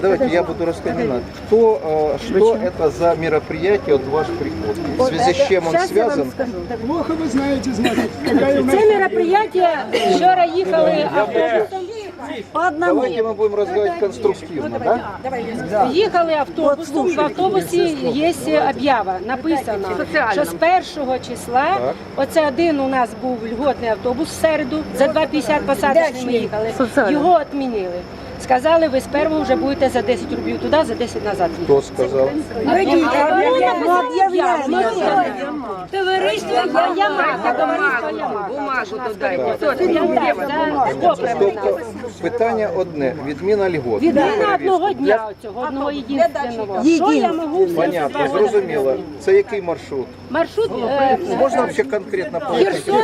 давайте я буду рассказывать. Что это за мероприятие, вот ваш приход? В связи с чем он связан? Плохо вы знаете, значит. Це мероприятие, вчора їхали автобусом по одному. Давайте мы будем разговаривать конструктивно, да? Їхали автобусом, в автобусі є об'ява, написано, що з 1 числа, оце один у нас був льготний автобус в середу, за 2,50 посадочний ми їхали, його відмінили. Сказали, ви з першого вже будете за 10 рублів туди, за 10 назад. Кто сказал? Товариство Ямаха, товариство Ямаха. Бумагу додайте. Тобто питання одне, відміна льгот. Відміна одного дня цього, одного єдиного. Що я можу Понятно, зрозуміло. Це який маршрут? Маршрут Можна взагалі конкретно Херсон,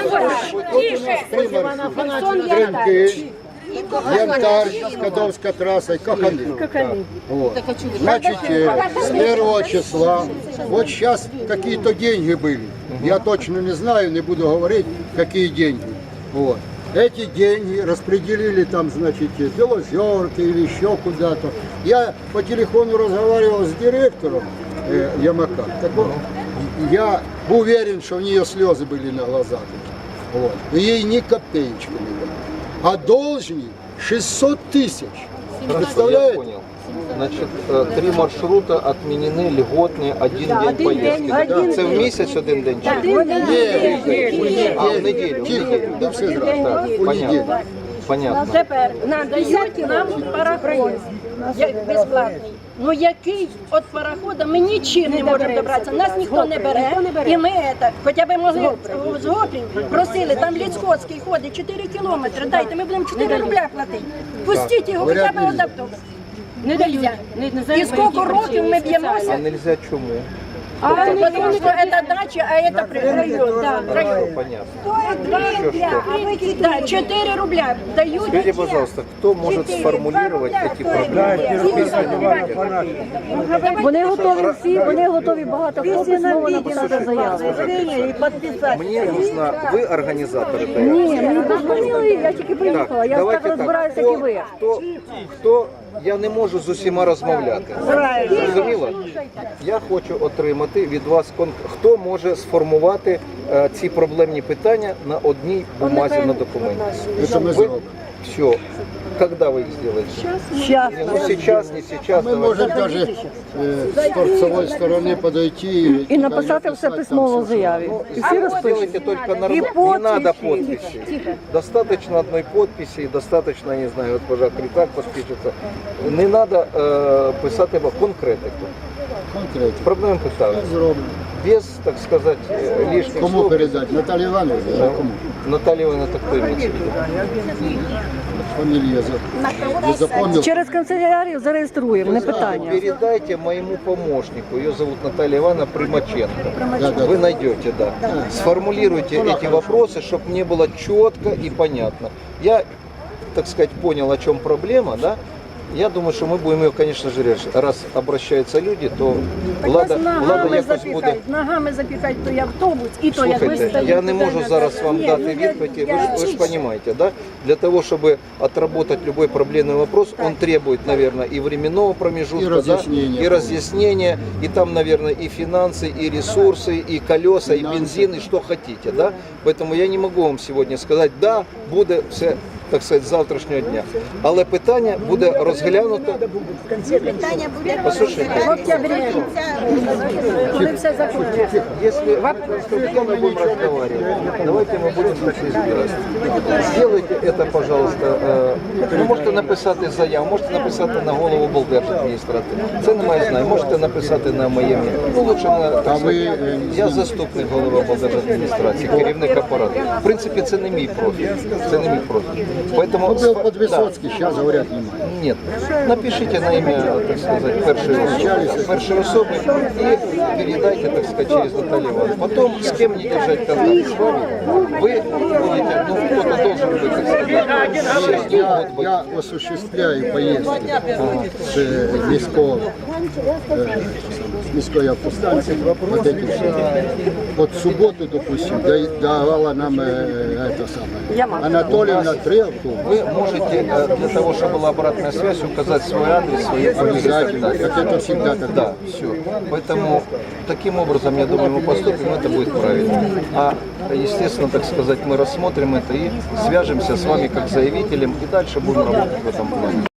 Крымки, Янтарь, Скадовская трасса, Коханы. Вот. Значит, с 1 числа, вот сейчас какие-то деньги были. Я точно не знаю, не буду говорить, какие деньги. Вот. Эти деньги распределили там, значит, в Белозерке или еще куда-то. Я по телефону разговаривал с директором Ямака. Так вот, я уверен, что у нее слезы были на глазах. Вот. Но ей ни копеечки не дали. А должник 600 тысяч. Я Представляете? понял. Значит, 3 маршрута отменены, льготные, один день поездки. Це в місяць один день? Чи? А, в неділю. Ну, все зразу. Так, У неділю. понятно. Понятно. Тепер надають нам пароход безплатний. Ну який від парохода ми нічим не можемо добратися, нас ніхто не бере, і ми це, хоча б могли з Гоплів, просили, там Ліцкоцький ходить 4 кілометри, дайте, ми будемо 4 рубля платити. Пустіть його хоча б від автобуса. Не дають. І скільки років ми А б'ємося? нельзя чому? Потому что это дача, а это район. Да, район. Понятно. Да, 4 рубля дают. Скажите, пожалуйста, кто может сформулировать эти проблемы? Вони готові всі, вони готові багато хто знову написати заяву. Мне нужно, вы организатор этой Ні, мені дозвонили, я тільки приїхала. Я так розбираюся, як і ви. хто, я не можу з усіма розмовляти. Зрозуміло? Я хочу отримати від вас, хто може сформувати ці проблемні питання на одній бумазі на документі. Это мы сделаем. Все. Когда вы их сделаете? Сейчас. Ну сейчас, не сейчас. Мы давайте. можем даже с торцевой стороны подойти І написати все письмово в заяві. І всі розпишуть. Сделайте только нормально. Не надо подписи. Достаточно одной подписи и достаточно, не знаю, вот госпожа Критак подпишется. Не надо писати конкретику. конкретно. Проблем питаю. Зроблено. Без, так сказать, лишних Кому слов. передать? Наталье Ивановне? Да. Кому? Наталья Ивановна, это кто имеется в виду? Фамилия не запомнил. Через канцелярію зареєструємо, не питання. Передайте моему помощнику, ее зовут Наталья Ивановна Примаченко. Да. Вы найдете, да. Сформулируйте эти вопросы, чтобы мне было четко и понятно. Я, так сказать, понял, о чем проблема, да? Я думаю, что мы будем ее, конечно же, решить. Раз обращаются люди, то Влада якось буде. Ногами запихать той автобус, і то як Слухайте, я не можу зараз вам дати відповіді, ви ж розумієте, да? Для того, чтобы отработать любой проблемный вопрос, он требует, наверное, и временного промежутка, И разъяснения. да? И разъяснения, и там, наверное, и финансы, и ресурсы, и колеса, и бензин, и что хотите, да? Поэтому я не могу вам сегодня сказать, да, буде все, так сказать, з завтрашнього дня. Але питання буде розглянуто. Питання буде Послушайте, коли все закінчиться. если мы будем разговаривать, давайте мы будем так избирать. Сделайте это, пожалуйста. Ви можете написати заяву, можете написати на голову облдержадміністрації. Це не має знаю. Можете написати на моє ім'я. Ну, лучше на так ви, сказати. Я заступник голови облдержадміністрації, керівник апарату. В принципі, це не мій профіль. Це не мій профіль. Поэтому Ну, был под Высоцкий, сейчас говорят, не могу. нет. Напишите на имя, так сказать, першей особи и передайте, так сказать, через Наталью Ивановну. Потом с кем не держать контакт с вами, вы будете, ну, кто-то должен быть, так сказать, Я осуществляю поездки с міської автостанції. Вот эти все. Вот в субботу, допустим, давала нам это самое. Анатольевна 3 вы можете для того, чтобы была обратная связь, указать свой адрес, свои фамилии и так далее. Как это всегда так. Да, все. Поэтому таким образом, я думаю, мы поступим, это будет правильно. А, естественно, так сказать, мы рассмотрим это и свяжемся с вами как заявителем, и дальше будем работать в этом плане.